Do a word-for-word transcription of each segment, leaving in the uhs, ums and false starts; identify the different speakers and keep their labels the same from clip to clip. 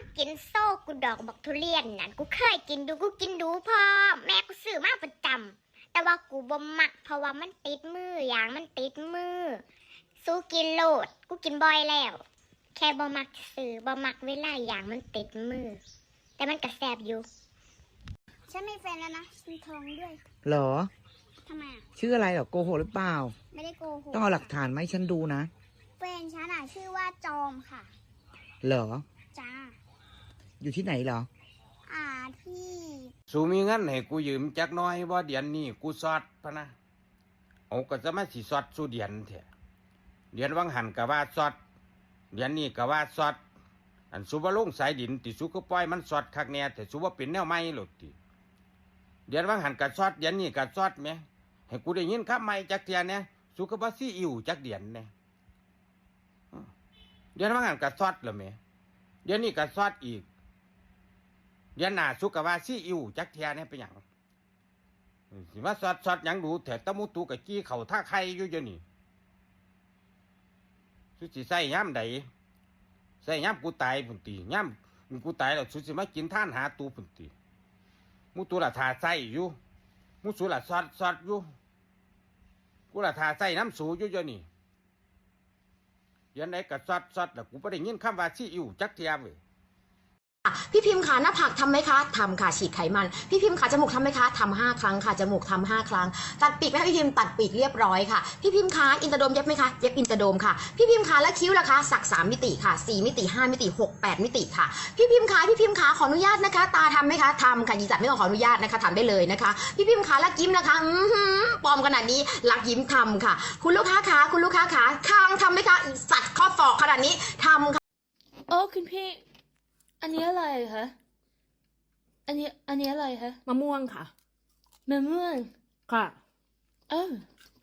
Speaker 1: กินโซ่กูดอกบักทุเรียนนั่นกูเคยกินดูกูกินดูพอแม่กูซื้อมาประจำแต่ว่ากูบ่มักเพราะว่ามันติดมืออย่างมันติดมือสู้กินโลดกูกินบ่อยแล้วแค่บ่มักซื้อบ่มักเวลาอย่างมันติดมือแต่มันก็แซ่บอยู่ฉันมีแฟนแล้วนะฉันท้องด้วย
Speaker 2: เหรอ
Speaker 1: ทำไมอ่ะ
Speaker 2: ชื่ออะไรเหรอโกหกหรือเปล่า
Speaker 1: ไม่ได้โกหก
Speaker 2: ต้องเอาหลักฐานมาให้ฉันดูนะ
Speaker 1: แฟนฉันอ่ะชื่อว่าจอมค่ะ
Speaker 2: เหรอ
Speaker 1: จ้า
Speaker 2: อยู่ที่ไหนเหรอ
Speaker 1: อ่าที่
Speaker 3: สูมีเงินให้กูยืมจักน้อยบ่เดือนนี้กูสอดพะนะเอาก็จะมาสิสอดสู่เดือนแท้เดือนวังหันก็ว่าสอดเดือนนี้ก็ว่าสอดอันสุบ่ลงสายดินติสุก็ปล่อยมันสอดคักแน่แต่สุบ่เป็นแนวใหม่หลดติเดือนวังหันก็สอดเดือนนี้ก็สอดแหมให้กูได้ยินคำใหม่จักเทื่อแน่สุก็บ่ซีอิ๊วจักเดือนแน่เดือนวังหันก็สอดแล้วแหมเดือนนี้ก็สอดอีกเดือนหน้าสุกว่าซีอิ๊วจักเทียเนี่ยเป็นหยังสิมาสอดสอดหยังดูแถตะมุตุกะจี้เข่าท่าไข่อยู่เดี๋ยวนี้สุสิใส่ย่ำใดใส่ย่ำกูตายพุ่นตีย่ำกูตายแล้วสุสิมากินท่านหาตูพุ่นตีมุตุละทาใส่อยู่มุสุละสอดสอดอยู่กูละทาใส่น้ำสูอยู่เดี๋ยวนี้ยันไหนก็สอดสอดแล้วกูไม่ได้ยินคำว่าซีอิ๊วจักเทียเว้ย
Speaker 4: พี่พิมพ์ขาหน้าผากทำไหมคะทำค่ะฉีดไขมันพี่พิมพ์ขาจมูกทำไหมคะทำห้าครั้งค่ะจมูกทำห้าครั้งตัดปีกไหมคะพี่พิมพ์ตัดปีกเรียบร้อยค่ะพี่พิมพ์ขาอินเตอร์โดมเย็บไหมคะเย็บอินเตอร์โดมค่ะพี่พิมพ์ขาและคิ้วล่ะคะสักสามมิติค่ะสี่มิติห้ามิติหกแปดมิติค่ะพี่พิมพ์ขาพี่พิมพ์ขาขออนุญาตนะคะตาทำไหมคะทำค่ะยีจัดไม่ต้องขออนุญาตนะคะทำได้เลยนะคะพี่พิมพ์ขาและยิ้มนะคะอือหือปลอมขนาดนี้ลักยิ้มทำค่ะคุณลูกค้าขาคุณลูกค้าขาคางทำไหมคะสัตว์ข้อศอกขนาดนี้ทำค่ะ
Speaker 5: โอ้คุณพี่อันนี้อะไรคะอันนี้อันนี้อะไรคะ
Speaker 4: มะม่วงค่ะ
Speaker 5: มะม่วง
Speaker 4: ค่ะ
Speaker 5: เออ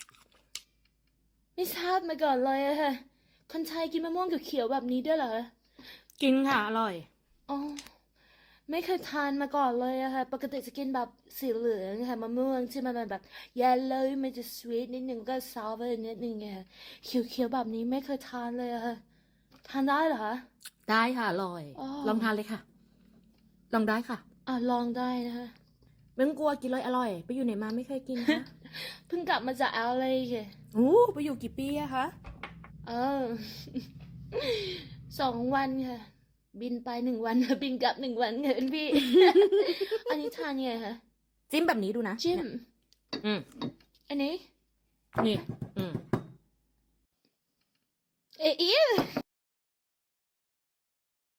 Speaker 5: ไม่ทราบมาก่อนเลยอะค่ะคนไทยกินมะม่วงเขียวๆแบบนี้ด้วยเหรอ
Speaker 4: กินค่ะอร่อย
Speaker 5: อ๋อไม่เคยทานมาก่อนเลยอะค่ะปกติจะกินแบบสีเหลืองค่ะมะม่วงที่มันแบบ yellow มันจะ sweet นิดนึงก็ sour นิดนึงไงเขียวๆแบบนี้ไม่เคยทานเลยอะค่ะทานได้เหรอคะ
Speaker 4: ได้ค่ะอร่อยลองทานเลยค่ะลองได้ค่ะ
Speaker 5: อ่ะลองได้นะคะ
Speaker 4: ไม่ต้องกลัวกินเลยอร่อยไปอยู่ไหนมาไม่เคยกินคะ
Speaker 5: เพิ่งกลับมาจาก แอล เอ ค่ะ
Speaker 4: โอ้ไปอยู่กี่ปีอะคะ
Speaker 5: เออ สองวันค่ะบินไปหนึ่งวันบินกลับหนึ่งวันค่ะพี่ อันนี้ทานยังไงคะ
Speaker 4: จิ้มแบบนี้ดูนะ
Speaker 5: จิ้ม
Speaker 4: อืม
Speaker 5: อันนี้
Speaker 4: นี่อืม
Speaker 5: เอ๊ะ